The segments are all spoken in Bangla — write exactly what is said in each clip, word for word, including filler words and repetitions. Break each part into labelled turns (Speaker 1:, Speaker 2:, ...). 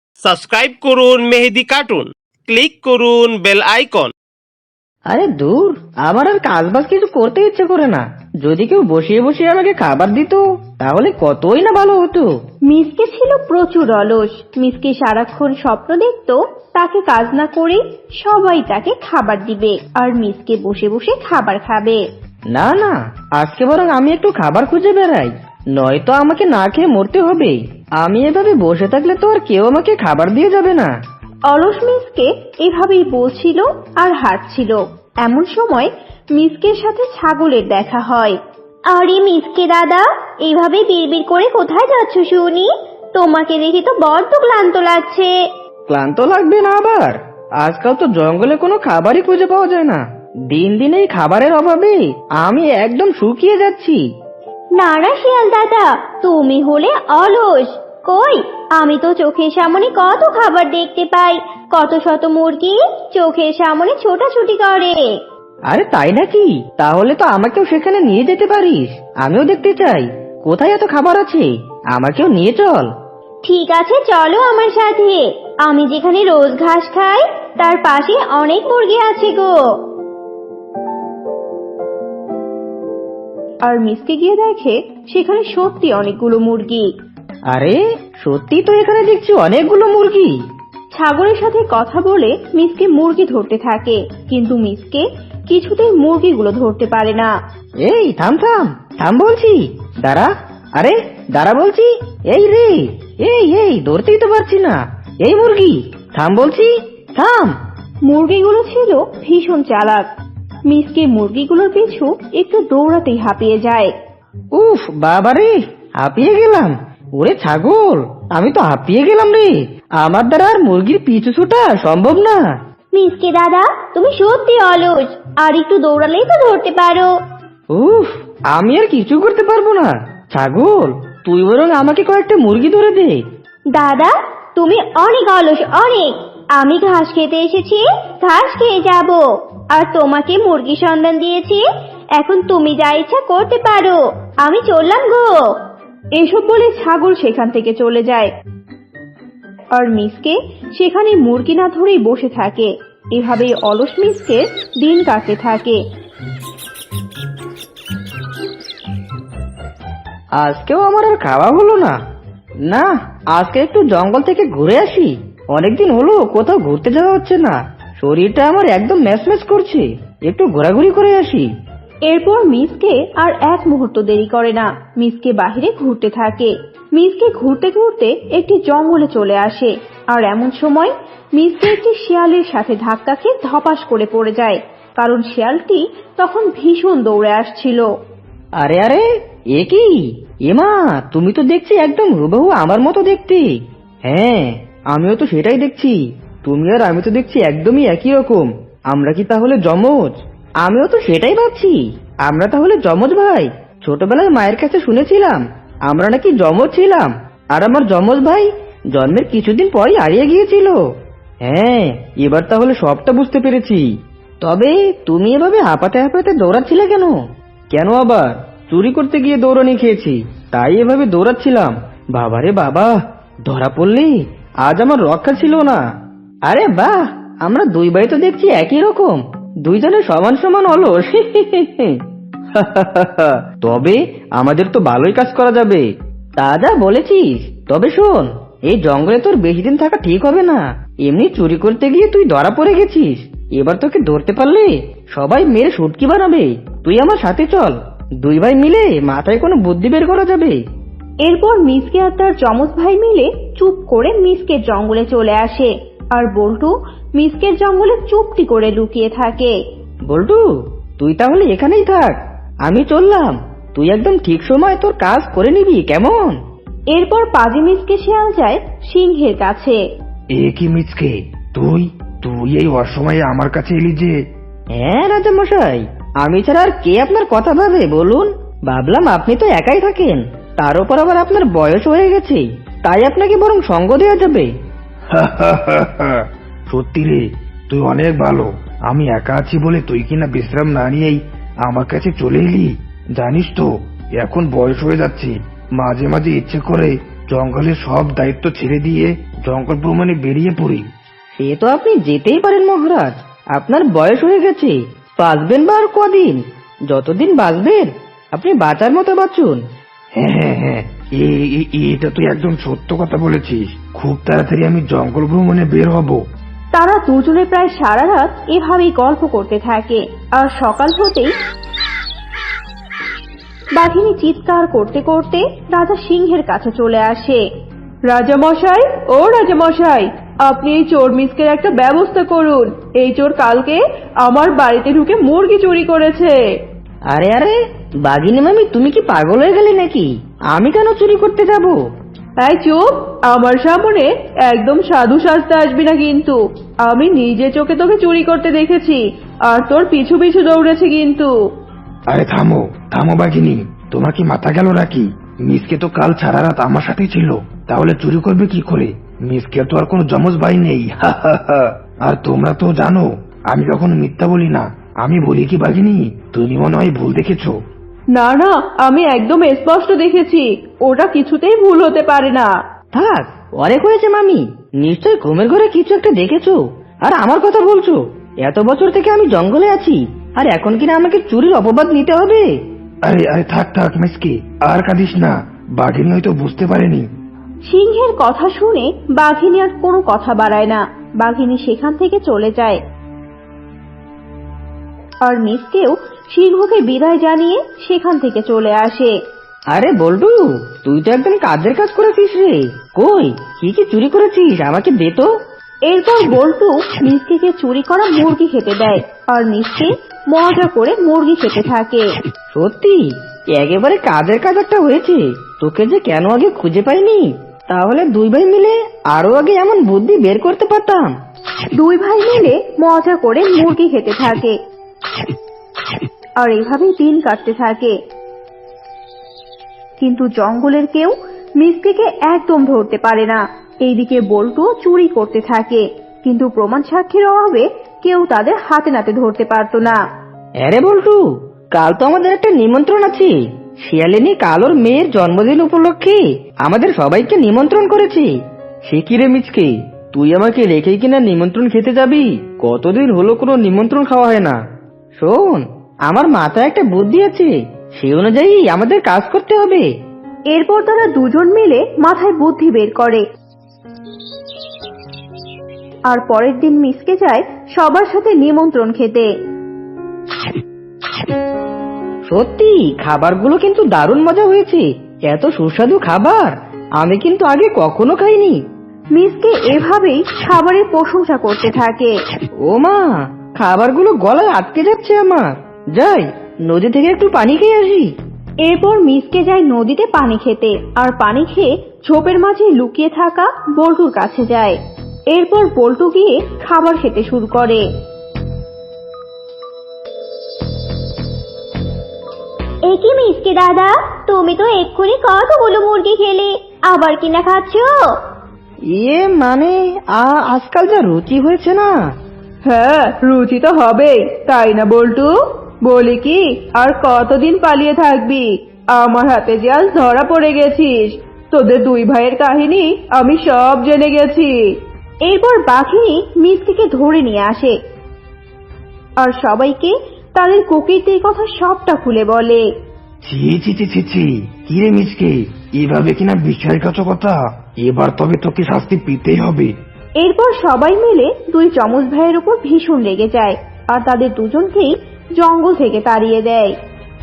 Speaker 1: সাবস্ক্রাইব করুন মেহেদি কার্টুন, ক্লিক করুন বেল আইকন।
Speaker 2: আরে দূর, আমার আর কাজ বাজ কিছু করতে ইচ্ছে করে না। যদি কেউ বসিয়ে বসিয়ে আমাকে খাবার দিত তাহলে কতই না ভালো হতো।
Speaker 3: মিসকে ছিল প্রচুর অলস। মিসকে সারাক্ষণ স্বপ্ন দেখতো তাকে কাজ না করে সবাই তাকে খাবার দিবে আর মিসকে বসে বসে খাবার খাবে।
Speaker 2: না না, আজকে বরং আমি একটু খাবার খুঁজে বেড়াই, নয়তো আমাকে না খেয়ে মরতে হবে। আমি এভাবে বসে থাকলে তো আর কেউ আমাকে খাবার দিয়ে যাবে না।
Speaker 3: অলস মিসকে এভাবেই বলছিল আর হাঁটছিল। এমন সময় মিসকের সাথে ছাগলের দেখা হয়। আরে মিসকে দাদা, এইভাবে বিড়বিড় করে কোথায় যাচ্ছ শুনি? তোমাকে দেখে তো বড্ড ক্লান্ত লাগছে।
Speaker 2: ক্লান্ত লাগবে না আবার? আজকাল তো জঙ্গলে কোনো খাবারই খুঁজে পাওয়া যায় না। দিন দিন এই খাবারের অভাবে আমি একদম শুকিয়ে যাচ্ছি।
Speaker 3: না না শিয়াল দাদা, তুমি হলে অলস। কই, আমি তো চোখের সামনে কত খাবার দেখতে পাই। কত শত মুরগি চোখের সামনে ছোটাছুটি করে।
Speaker 2: আরে তাই নাকি? তাহলে তো আমাকেও সেখানে নিয়ে যেতে পারিস, আমিও দেখতে চাই কোথায় এত খাবার আছে। আমাকেও নিয়ে চল।
Speaker 3: ঠিক আছে, চলো আমার সাথে। আমি যেখানে রোজ ঘাস খাই তার পাশে অনেক মুরগি আছে গো। আর মিসকে গিয়ে দেখে সেখানে সত্যি অনেকগুলো মুরগি।
Speaker 2: আরে সত্যি তো এখানে দেখছি অনেকগুলো মুরগি।
Speaker 3: ছাগলের সাথে কথা বলে মিসকে মুরগি ধরতে থাকে, কিন্তু মিসকে কিছুতেই মুরগিগুলো ধরতে পারে না।
Speaker 2: এই থাম থাম থাম বলছি, দাঁড়া। আরে দাঁড়া বলছি। এই রে, এই এই ধরতেই তো পারছি না। এই মুরগি থাম বলছি, থাম।
Speaker 3: মুরগিগুলো ছিল ভীষণ চালাক। মিসকে মুরগিগুলোর পিছু একটু দৌড়াতেই হাঁপিয়ে যায়।
Speaker 2: উফ বাবারে, হাঁপিয়ে গেলাম। ওরে ছাগল, আমি তো হাঁপিয়ে গেলাম রে। আমার দ্বারা আর মুরগির পিছু ছোটা সম্ভব না।
Speaker 3: মিসকে দাদা, তুমি সত্যি অলস। আর একটু দৌড়ালেই তো ধরতে পারো।
Speaker 2: উফ, আমি আর কিছু করতে পারবো না। ছাগল, তুই বরং আমাকে কয়েকটা মুরগি ধরে দে।
Speaker 3: দাদা, তুমি অনেক অলস, অনেক। আমি ঘাস খেতে এসেছি, ঘাস খেয়ে যাব। আর তোমাকে মুরগি সন্ধান দিয়েছি, এখন তুমি যা ইচ্ছা করতে পারো। আমি চললাম গো। এসব বলে ছাগল সেখান থেকে চলে যায়। আর মিসকে সেখানে মুরগি না ধরেই বসে থাকে। এভাবেই অলস মিসকে দিন কাটতে থাকে।
Speaker 2: আজকেও আমার আর খাওয়া হলো না। না, আজকে একটু জঙ্গল থেকে ঘুরে আসি। অনেকদিন হলো কোথাও ঘুরতে যাওয়া হচ্ছে না। শরীরটা আমার একদম ম্যাচম্যাচ করছে। একটু ঘোরাঘুরি করে আসি।
Speaker 3: এরপর মিসকে আর এক মুহূর্ত দেরি করে না। মিসকে বাহিরে ঘুরতে থাকে। মিসকে ঘুরতে ঘুরতে একটি জঙ্গলে চলে আসে। আর এমন সময় মিসকে একটি শিয়ালের সাথে ধাক্কা খেয়ে ধপাস করে পড়ে যায়, কারণ শিয়ালটি তখন ভীষণ দৌড়ে আসছিল।
Speaker 2: আরে আরে, এ কি? এমা, তুমি তো দেখছি একদম হুবহু আমার মতো দেখতে। হ্যাঁ, আমিও তো সেটাই দেখছি। তুমি আর আমি তো দেখছি একদমই একই রকম। আমরা কি তাহলে যমজ? আমিও তো সেটাই ভাবছি। আমরা তাহলে যমজ ভাই। ছোটবেলায় মায়ের কাছে শুনেছিলাম আমরা নাকি যমজ ছিলাম, আর আমার যমজ ভাই জন্মের কিছুদিন পরই হারিয়ে গিয়েছিল। হ্যাঁ, এবার তাহলে সবটা বুঝতে পেরেছি। তবে তুমি এভাবে হাঁপাতে হাঁপাতে দৌড়াচ্ছিলে কেন? কেন আবার? চুরি করতে গিয়ে দৌড়ানি খেয়েছি, তাই এভাবে দৌড়াচ্ছিলাম। বাবারে বাবা, ধরা পড়লি, আজ আমার রক্ষা ছিল না। আরে বাহ, আমরা দুই ভাই তো দেখছি একই রকম। দুইজনে সমান সমান অলস। তবে আমাদের তো ভালোই কাজ করা যাবে। তা যা বলেছিস। তবে শোন, এই জঙ্গলে তোর বেশি দিন থাকা ঠিক হবে না। এমনি চুরি করতে গিয়ে তুই ধরা পড়ে গেছিস। এবার তোকে ধরতে পারলে সবাই মেরে শুটকি বানাবে। তুই আমার সাথে চল, দুই ভাই মিলে মাথায় কোনো বুদ্ধি বের করা যাবে।
Speaker 3: এরপর মিসকে আর তার যমজ ভাই মিলে চুপ করে মিসকের জঙ্গলে চলে আসে। আর বল্টু মিসকের জঙ্গলে চুপটি করে লুকিয়ে থাকে।
Speaker 2: বল্টু, তুই তাহলে এখানেই থাক, আমি চললাম। তুই একদম ঠিক সময় তোর কাজ করে নিবি, কেমন?
Speaker 3: এরপর পাজি মিসকে শিয়াল যায় সিংহের কাছে।
Speaker 4: এ কি মিচকে, তুই তুই এই অসময়ে আমার কাছে এলি যে?
Speaker 2: হ্যাঁ রাজা মশাই, আমি ছাড়া আর কে আপনার কথা ভাবে বলুন? ভাবলাম আপনি তো একাই থাকেন, তার উপর আবার আপনার বয়স হয়ে গেছে, তাই আপনাকে বরং সঙ্গ দেওয়া যাবে।
Speaker 4: সত্যি রে, তুই অনেক ভালো। আমি একা আছি বলে তুই কিনা বিশ্রাম না নিয়েই আমার কাছে চলে এলি। জানিস তো, এখন বয়স হয়ে যাচ্ছে, মাঝে মাঝে ইচ্ছে করে জঙ্গলের সব দায়িত্ব ছেড়ে দিয়ে জঙ্গল ভ্রমণে বেরিয়ে পড়ি।
Speaker 2: সে তো আপনি যেতেই পারেন মহারাজ, আপনার বয়স হয়ে গেছে, বাঁচবেন বা আর কদিন? যতদিন বাঁচবেন আপনি বাঁচার মতো বাঁচুন।
Speaker 4: হ্যাঁ হ্যাঁ হ্যাঁ, এ- এ- এটা তুই একদম সত্য কথা বলেছিস। খুব তাড়াতাড়ি আমি জঙ্গল ভ্রমণে বের হব।
Speaker 3: তারা দুজনে প্রায় সারা রাত এভাবেই গল্প করতে থাকে। আর সকাল হতেই বাঘিনী চিৎকার করতে করতে রাজা সিংহের কাছে চলে আসে। রাজা মশাই, ও রাজা মশাই, আপনি এই চোর মিসকের একটা ব্যবস্থা করুন। এই চোর কালকে আমার বাড়িতে ঢুকে মুরগি চুরি করেছে।
Speaker 2: আরে আরে বাঘিনী মামি, তুমি কি পাগল হয়ে গেলে নাকি? আমি কেন চুরি করতে যাব?
Speaker 3: তাই চুপ, আমার সামনে একদম সাধু সাজতে আসবি না কিন্তু। আমি নিজে চোখে তোকে চুরি করতে দেখেছি, আর তোর পিছু পিছু দৌড়েছে কিন্তু।
Speaker 4: আরে থামো থামো বাঘিনী, তোমার কি মাথা গেল নাকি? মিসকে তো কাল সারা রাত আমার সাথেই ছিল, তাহলে চুরি করবে কি করে? মিসকে তো আর কোনো জমজ ভাই নেই। আর তোমরা তো জানো আমি কখনো মিথ্যা বলি না। আমি বলি কি বাঘিনী, তুমি মনে হয় ভুল দেখেছো।
Speaker 3: না না, আমি একদম স্পষ্ট দেখেছি, ওটা কিছুতেই ভুল হতে পারে না।
Speaker 2: থাক, অনেক হয়েছে মামি, নিশ্চয় ঘুমের ঘরে কিছু একটা দেখেছো আর আমার কথা বলছো। এত বছর থেকে আমি জঙ্গলে আছি, আর এখন কিনা আমাকে চুরির অপবাদ নিতে হবে?
Speaker 4: আরে আরে থাক থাক মিসকে, আর কাঁদিস না, বাঘিনী হয়তো বুঝতে পারেনি।
Speaker 3: সিংহের কথা শুনে বাঘিনী আর কোনো কথা বাড়ায় না। বাঘিনী সেখান থেকে চলে যায়। আর মিসকেও সিংহকে বিদায় জানিয়ে সেখান থেকে চলে আসে।
Speaker 2: আরে বল্টু, তুই তো একদম কাজের কাজ করেছিস রে। কই, কি কি চুরি করেছিস আমাকে দে তো।
Speaker 3: এরপর বল্টু মিসকে চুরি করা মুরগি খেতে দেয়, আর মিসকে মজা করে মুরগি খেতে থাকে।
Speaker 2: সত্যি একেবারে কাজের কাজ একটা হয়েছে। তোকে যে কেন আগে খুঁজে পাইনি, তাহলে দুই ভাই মিলে আরো আগে এমন বুদ্ধি বের করতে পারতাম।
Speaker 3: দুই ভাই মিলে মজা করে মুরগি খেতে থাকে, আর এভাবেই দিন কাটতে থাকে। কিন্তু জঙ্গলের কেউ মিসকেকে একদম ধরতে পারে না। এইদিকে বল্টু চুরি করতে থাকে, কিন্তু প্রমাণ সাক্ষীর অভাবে কেউ তাদের হাতে নাতে ধরতে পারতো না।
Speaker 2: আরে বল্টু, কাল তো আমাদের একটা নিমন্ত্রণ আছে। শিয়ালিনী কাল ওর মেয়ের জন্মদিন উপলক্ষে আমাদের সবাইকে নিমন্ত্রণ করেছে। সে কি রে মিচকে, তুই আমাকে রেখে কিনা নিমন্ত্রণ খেতে যাবি? কতদিন হলো কোনো নিমন্ত্রণ খাওয়া হয় না। শোন, আমার মাথায় একটা বুদ্ধি আছে, সে অনুযায়ী আমাদের কাজ করতে হবে।
Speaker 3: এরপর তারা দুজন মিলে মাথায় বুদ্ধি বের করে। আর পরের দিন মিসকে যায় সবার সাথে নিমন্ত্রণ খেতে।
Speaker 2: সত্যি খাবারগুলো কিন্তু দারুণ মজা হয়েছে। এত সুস্বাদু খাবার আমি কিন্তু আগে কখনো খাইনি।
Speaker 3: মিসকে এভাবেই খাবারের প্রশংসা করতে থাকে।
Speaker 2: ও মা, খাবারগুলো গলায় আটকে যাচ্ছে আমার। যাই নদী থেকে একটু পানি খেয়ে আসি।
Speaker 3: এরপর মিসকে যায় নদীতে পানি খেতে, আর পানি খেয়ে ঝোপের মাঝে লুকিয়ে থাকা বল্টুর কাছে যায়। এরপর বল্টু গিয়ে খাবার খেতে শুরু করে। একই মিসকে দাদা, তুমি তো এক্ষুনি কতগুলো মুরগি খেলে, আবার কিনা খাচ্ছো?
Speaker 2: ইয়ে মানে আ- আজকাল যা রুচি হয়েছে না।
Speaker 3: হ্যাঁ, রুচি তো হবেই, তাই না বল্টু? বলি কি, আর কতদিন পালিয়ে থাকবি? আমার হাতে যে আজ ধরা পড়ে গেছিস। তোদের দুই ভাইয়ের কাহিনী আমি সব জেনে গেছি। এরপর বাঘিনী মিসকে ধরে নিয়ে আসে, আর সবাইকে তাদের কুকিরদের কথা সবটা খুলে বলে।
Speaker 4: ছি ছি ছি ছি ছি, কি রে মিসকে, এভাবে কিনা বিশ্বাসঘাতকতা? এবার তবে তোকে শাস্তি পেতেই হবে।
Speaker 3: এরপর সবাই মিলে দুই চমচ ভাইয়ের উপর ভীষণ রেগে যায়, আর তাদের দুজনকেই জঙ্গল থেকে তাড়িয়ে দেয়।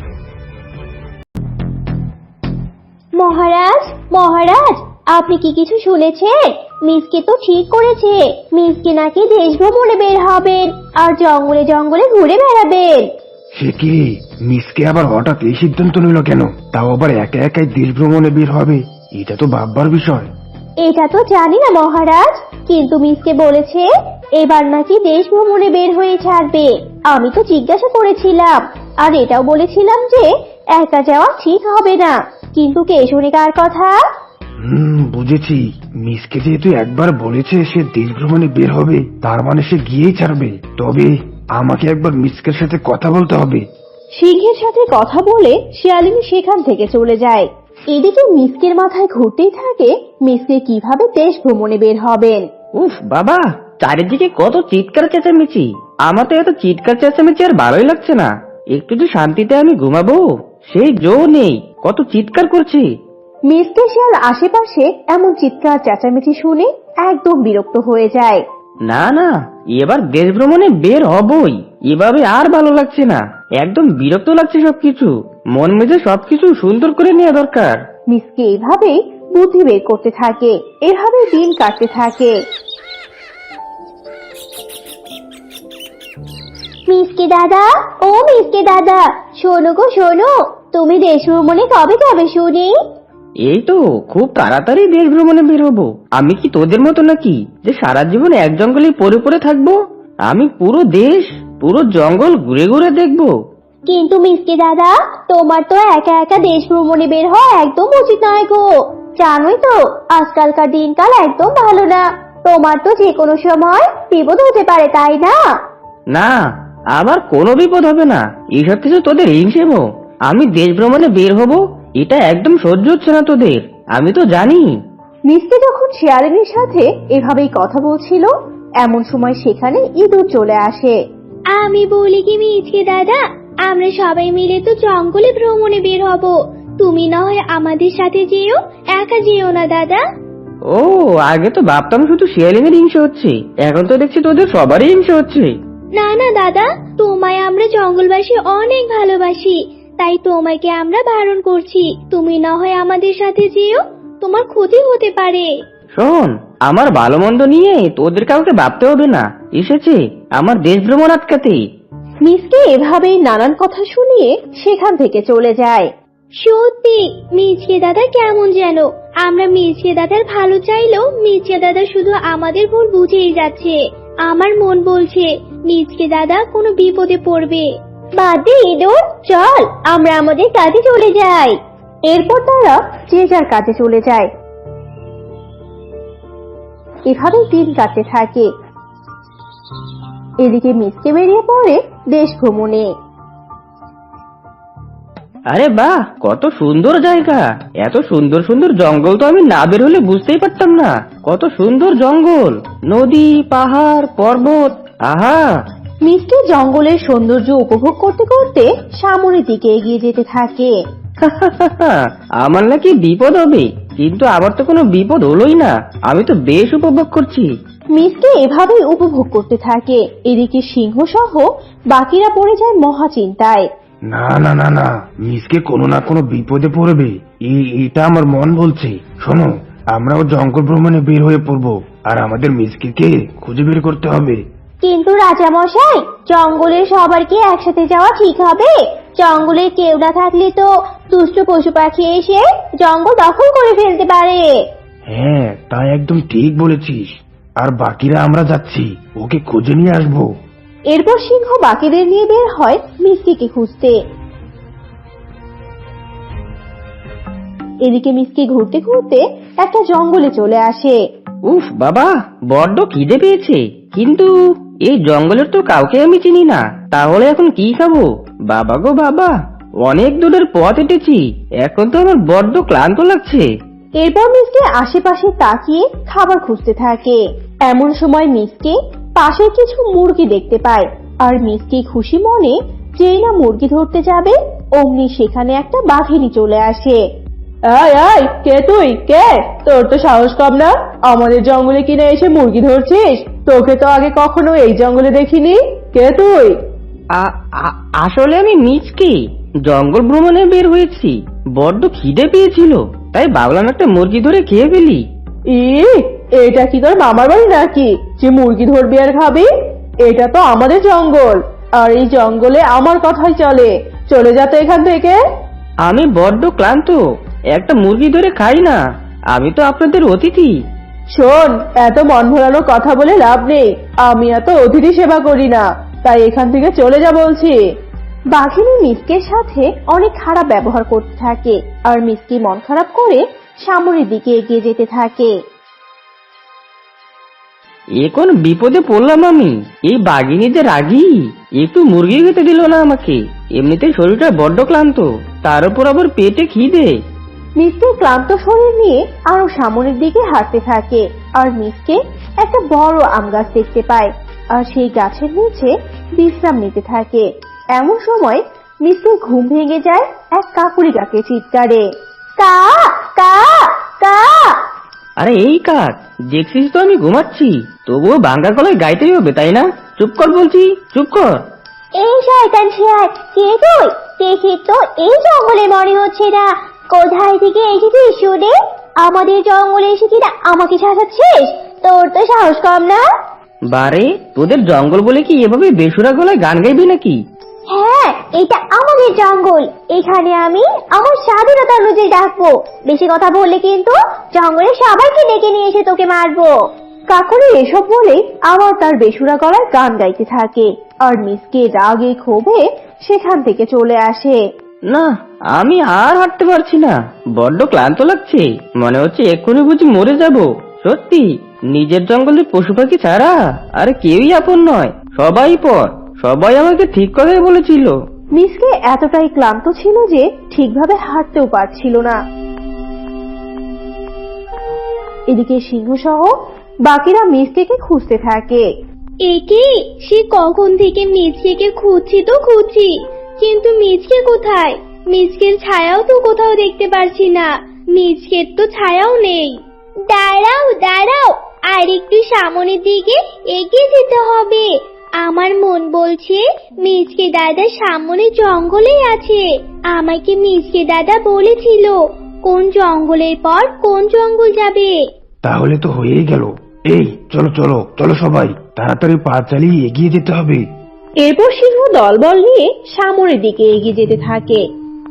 Speaker 3: মহারাজ, মহারাজ, আপনি কি কিছু শুনেছেন? মিসকে তো ঠিক করেছে, মিসকে নাকি দেশ ভ্রমণে বের হবেন আর জঙ্গলে জঙ্গলে ঘুরে বেড়াবেন।
Speaker 4: সে কি, মিসকে আবার হঠাৎ এই সিদ্ধান্ত নিল কেন? তাও আবার একা একাই দেশ ভ্রমণে বের হবে, এটা তো ভাববার বিষয়।
Speaker 3: এটা তো জানি না মহারাজ, কিন্তু মিসকে বলেছে এবার নাকি দেশ ভ্রমণে বের হয়ে ছাড়বে। আমি তো জিজ্ঞাসা করেছিলাম, আর এটাও বলেছিলাম যে একা যাওয়া ঠিক হবে না, কিন্তু কে শুনে কার কথা?
Speaker 4: হুম, বুঝেছি। মিসকে যেহেতু একবার বলেছে সে দেশ ভ্রমণে বের হবে, তার মানে সে গিয়েই ছাড়বে। তবে আমাকে একবার মিসকের সাথে কথা বলতে হবে।
Speaker 3: সিংহের সাথে কথা বলে শিয়ালিনী সেখান থেকে চলে যায়। এদিকে মিসকের মাথায় ঘুরতেই থাকে মিসকে কিভাবে দেশ ভ্রমণে বের হবেন।
Speaker 2: উফ বাবা, চারিদিকে কত চিৎকার চেঁচামেচি। আমার তো এত চিৎকার চেঁচামেচি আর ভালোই লাগছে না। একটু যে শান্তিতে আমি ঘুমাবো সেই জো নেই, কত চিৎকার করছে।
Speaker 3: মিসকে শিয়াল আশেপাশে এমন চিৎকার চেঁচামেচি শুনে একদম বিরক্ত হয়ে যায়।
Speaker 2: না না, এবার দেশ ভ্রমণে বের হবই। এভাবে আর ভালো লাগছে না, একদম বিরক্ত লাগছে সবকিছু। মন মেজে সবকিছু সুন্দর করে নেওয়া দরকার।
Speaker 3: মিসকে এইভাবেই বুদ্ধি বের করতে থাকে, এভাবে দিন কাটতে থাকে। মিসকে দাদা, ও মিসকে দাদা, শোনো গো শোনো, তুমি দেশ ভ্রমণে কবে যাবে শুনি?
Speaker 2: এই তো খুব তাড়াতাড়ি দেশ ভ্রমণে বের হবো। আমি কি তোদের মতো নাকি যে সারা জীবন এক জঙ্গলে পড়ে পড়ে থাকবো? আমি পুরো দেশ, পুরো জঙ্গল ঘুরে ঘুরে দেখবো।
Speaker 3: কিন্তু মিসকে দাদা, তোমার তো একা একা দেশ ভ্রমণে বের হওয়া একদম উচিত নয় গো। জানোই তো আজকালকার দিনকাল একদম ভালো না, তোমার তো যে কোনো সময় বিপদ হতে পারে, তাই না?
Speaker 2: না, আবার কোনো বিপদ হবে না। এইসব কিছু তোদের হিংসেবো। আমি দেশ ভ্রমণে বের হব, এটা একদম সহ্য হচ্ছে না তোদের, আমি তো জানি।
Speaker 3: মিসকে যখন শিয়ালিনীর সাথে এভাবেই কথা বলছিল, এমন সময় সেখানে ইঁদুর চলে আসে। আমি বলি কি মিসকে দাদা, আমরা সবাই মিলে তো জঙ্গলে ভ্রমণে বের হব, তুমি না হয় আমাদের সাথে যেও, একা যেও না দাদা।
Speaker 2: ও, আগে তো ভাবতাম শুধু শিয়ালিনের হিংসে হচ্ছে, এখন তো দেখছি তোদের সবারই হিংসে হচ্ছে।
Speaker 3: না না দাদা, তোমায় আমরা জঙ্গলবাসী অনেক ভালোবাসি, তাই তোমাকে আমরা বারণ করছি, তুমি না হয় আমাদের সাথে যেও, তোমার ক্ষতি হতে পারে।
Speaker 2: শোন, আমার ভালো মন্দ নিয়ে তোদের কাউকে ভাবতে হবে না, এসেছে আমার দেশ ভ্রমণ আটকাতে।
Speaker 3: মিসকে এভাবেই নানান কথা শুনিয়ে সেখান থেকে চলে যায়। সত্যি মিচকে দাদা কেমন যেন, আমরা মিচকে দাদার ভালো চাইলেও মিচকে দাদা শুধু আমাদের ভুল বুঝেই যাচ্ছে। আমার মন বলছে মিচকে দাদা কোনো বিপদে পড়বে। বাদ দে ইঁদুর, চল আমরা আমাদের কাজে চলে যাই। এরপর তারা যে যার কাজে চলে যায়। এভাবে দিন কাটতে থাকে। এদিকে মিসকে বেরিয়ে পড়ে দেশ ভ্রমণে।
Speaker 2: আরে বাহ, কত সুন্দর জায়গা! এত সুন্দর সুন্দর জঙ্গল তো আমি না বের হলে বুঝতেই পারতাম না। কত সুন্দর জঙ্গল, নদী, পাহাড়, পর্বত, আহা!
Speaker 3: মিসকে জঙ্গলের সৌন্দর্য উপভোগ করতে করতে সামনের দিকে এগিয়ে যেতে থাকে।
Speaker 2: আমার নাকি বিপদ হবে, কিন্তু আবার তো কোনো বিপদ হলোই না। আমি তো বেশ উপভোগ করছি।
Speaker 3: মিসকে এভাবেই উপভোগ করতে থাকে। এদিকে সিংহ সহ বাকিরা পড়ে যায় মহা চিন্তায়।
Speaker 4: না না না না, মিসকে কোনো না কোনো বিপদে পড়বে, এই- এটা আমার মন বলছে। শোনো, আমরাও জঙ্গল ভ্রমণে বের হয়ে পড়বো, আর আমাদের মিসকে কে খুঁজে বের করতে হবে।
Speaker 3: কিন্তু রাজা মশাই, জঙ্গলের সবার কি একসাথে যাওয়া ঠিক হবে? জঙ্গলে কেউ না থাকলে তো দুষ্ট পশু পাখি এসে জঙ্গল দখল করে ফেলতে পারে।
Speaker 4: হ্যাঁ, তা একদম ঠিক বলেছিস। আর বাকিরা আমরা যাচ্ছি, ওকে খুঁজে নিয়ে আসবো।
Speaker 3: এরপর সিংহ বাকিদের নিয়ে বের হয় মিসকে খুঁজতে। এদিকে মিসকে ঘুরতে ঘুরতে একটা জঙ্গলে চলে আসে।
Speaker 2: উফ বাবা, বড্ড খিদে পেয়েছে, কিন্তু এই জঙ্গলের তো কাউকে আমি চিনি না। তাহলে এখন কি খাবো? বাবা গো বাবা, অনেক দূরের পথ হেঁটেছি, এখন তো আমার বড্ড ক্লান্ত লাগছে।
Speaker 3: এরপর মিসকে আশেপাশে তাকিয়ে খাবার খুঁজতে থাকে। এমন সময় মিসকে পাশে কিছু মুরগি দেখতে পায়, আর মিসকে খুশি মনে যেই না মুরগি ধরতে যাবে, অমনি সেখানে একটা বাঘিনী চলে আসে। আয় আয়, কে তুই? কে? তোর তো সাহস কম না, আমাদের জঙ্গলে কিনে এসে মুরগি ধরছিস? তোকে তো আগে কখনো এই জঙ্গলে দেখিনি। কে তুই?
Speaker 2: আ- আ- আসলে আমি মিচকে জঙ্গল ভ্রমণে বের হয়েছি, বড্ড খিদে পেয়েছিল, তাই ভাবলাম একটা মুরগি ধরে খেয়ে ফেলি।
Speaker 3: ই, এটা কি তোর মামার বাড়ি নাকি যে মুরগি ধরবি আর খাবি? এটা তো আমাদের জঙ্গল, আর এই জঙ্গলে আমার কথাই চলে। চলে যা তো এখান থেকে।
Speaker 2: আমি বড্ড ক্লান্ত, একটা মুরগি ধরে খাই না, আমি তো আপনাদের অতিথি।
Speaker 3: শোন, এত মন ভোলানো কথা বলে লাভ নেই, আমি এত অতিথি সেবা করি না, তাই এখান থেকে চলে যা বলছি। বাঘিনী মিসকের সাথে অনেক খারাপ ব্যবহার করতে থাকে, আর মিসকে মন খারাপ করে সামনের দিকে এগিয়ে যেতে থাকে।
Speaker 2: এ কোন বিপদে পড়লাম আমি! এই বাঘিনী যে রাগী, একটু মুরগি খেতে দিল না আমাকে। এমনিতে শরীরটা বড্ড ক্লান্ত, তার উপর আবার পেটে খিদে।
Speaker 3: মিসকে ক্লান্ত শরীর নিয়ে আরো সামনের দিকে হাঁটতে থাকে আর মিসকে একটা বড় আম গাছ দেখতে পায় আর সেই গাছের নিচে বিশ্রাম নিতে থাকে। এমন সময় মিসকে ঘুম ভেঙে যায় এক কাকুরি কাকে চিৎকারে, কা কা কা।
Speaker 2: আরে এই কাক, দেখছিস তো আমি ঘুমাচ্ছি, তবুও ভাঙ্গা গলায় গাইতেই হবে তাই না? চুপ কর বলছি, চুপ কর।
Speaker 3: এই শয়তান শেয়াল, কে তুই? দেখি তো এই জঙ্গলে মনে হচ্ছে না। কোথায় থেকে এসেছিস শুনে? আমাদের জঙ্গলে এসে কিনা আমাকে শাসাচ্ছিস? তোর তো সাহস কম না।
Speaker 2: বারে, তোদের জঙ্গল বলে কি এভাবে বেসুরা গলায় গান গাইবি নাকি?
Speaker 3: হ্যাঁ, এটা আমাদের জঙ্গল। এখানে আমি আমার স্বাধীনতা অনুযায়ী ডাকবো। বেশি কথা বললে কিন্তু জঙ্গলের সবাইকে ডেকে নিয়ে এসে তোকে মারবো। কাকুরি এসব বলে আবার তার বেসুরা গলায় গান গাইতে থাকে আর মিসকে রাগে ক্ষোভে সেখান থেকে চলে আসে।
Speaker 2: না, আমি আর হাঁটতে পারছি না, বড্ড ক্লান্ত লাগছে, মনে হচ্ছে এক্ষুনি বুঝি মরে যাব। সত্যি, নিজের জঙ্গলের পশু পাখি ছাড়া আর কেউই আপন নয়, সবাই পর। সবাই আমাকে ঠিক কথাই বলেছিল।
Speaker 3: মিসকে এতটাই ক্লান্ত ছিল যে ঠিকভাবে হাঁটতেও পারছিল না। এদিকে সিংহ সহ বাকিরা মিসকেকে খুঁজতে থাকে।
Speaker 5: একে সে কখন থেকে মিচকেকে খুঁজছি তো খুঁজছি, কিন্তু মিচকে কোথায়? মিচকের ছায়াও তো কোথাও দেখতে পারছি না। মিচকের তো ছায়াও নেই। দাঁড়াও দাঁড়াও, আর একটু সামনের দিকে এগিয়ে যেতে হবে। আমার মন বলছে মিচকে দাদা সামনে জঙ্গলে আছে। আমাকে মিচকে দাদা বলেছিল কোন জঙ্গলের পর কোন জঙ্গল যাবে।
Speaker 4: তাহলে তো হয়েই গেল। এই চলো চলো চলো সবাই, তাড়াতাড়ি পা চালিয়ে এগিয়ে যেতে হবে।
Speaker 3: এরপর সিংহ দলবল নিয়ে সামনের দিকে এগিয়ে যেতে থাকে।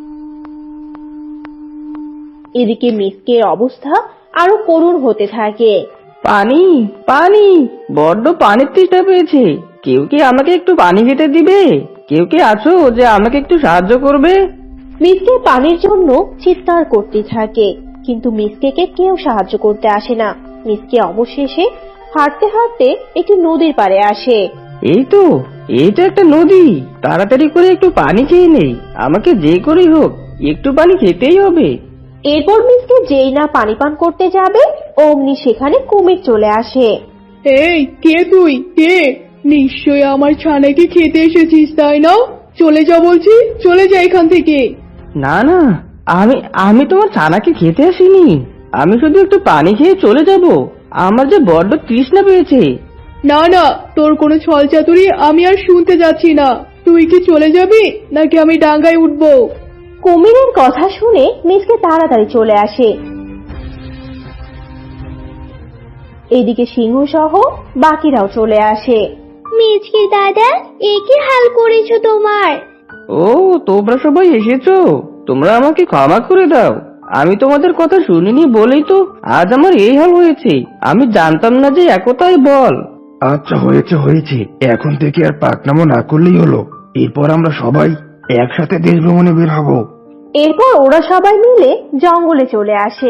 Speaker 3: এদিকে মিসকের অবস্থা আরো করুণ হতে থাকে।
Speaker 2: পানি, পানি, বড্ড পানির তৃষ্ণা পেয়েছে। কেউ কি আমাকে একটু পানি খেতে দিবে? কেউ কি আছো যে আমাকে একটু সাহায্য করবে?
Speaker 3: মিসকে পানির জন্য চিৎকার করতে থাকে, কিন্তু মিসকেকে কেউ সাহায্য করতে আসে না। মিসকে অবশেষে হাঁটতে হাঁটতে একটি নদীর পাড়ে আসে।
Speaker 2: এই তো, এই তো একটা নদী, তাড়াতাড়ি করে একটু পানি খেয়ে নেই। আমাকে যে করেই হোক একটু পানি খেতেই হবে।
Speaker 3: এরপর মিসকে যেই না পানি পান করতে যাবে অমনি সেখানে কুমির চলে আসে।
Speaker 6: এই কে তুই? কে? নিশ্চয় আমার ছানাকে খেতে এসেছিস তাই না? চলে যা বলছি, চলে যা এখান থেকে।
Speaker 2: না না, আমি আমি তোমার ছানাকে খেতে আসিনি। আমি শুধু একটু পানি খেয়ে চলে যাব। আমার যে বড্ড তৃষ্ণা পেয়েছে।
Speaker 6: না না, তোর কোনো ছল চাতুরি আমি আর শুনতে যাচ্ছি না। তুই কি চলে যাবি নাকি আমি ডাঙ্গায় উঠবো?
Speaker 3: কুমিরের কথা শুনে মিসকে তাড়াতাড়ি চলে আসে। এদিকে সিংহ সহ বাকিরাও চলে আসে।
Speaker 5: মিচকে দাদা, এ কি হাল করেছো তোমার?
Speaker 2: ও, তোমরা সবাই এসেছো, তোমরা আমাকে ক্ষমা করে দাও। আমি তোমাদের কথা শুনিনি বলেই তো আজ আমার এই হাল হয়েছে। আমি জানতাম না যে একতাই বল।
Speaker 4: আচ্ছা হয়েছে হয়েছে, এখন থেকে আর পাকনামো না করলেই হলো। এরপর আমরা সবাই একসাথে দেশ ভ্রমণে বের হব।
Speaker 3: এরপর ওরা সবাই মিলে জঙ্গলে চলে আসে।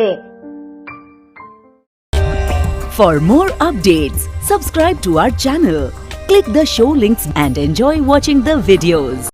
Speaker 7: For more updates, subscribe to our channel, click the show links and enjoy watching the videos.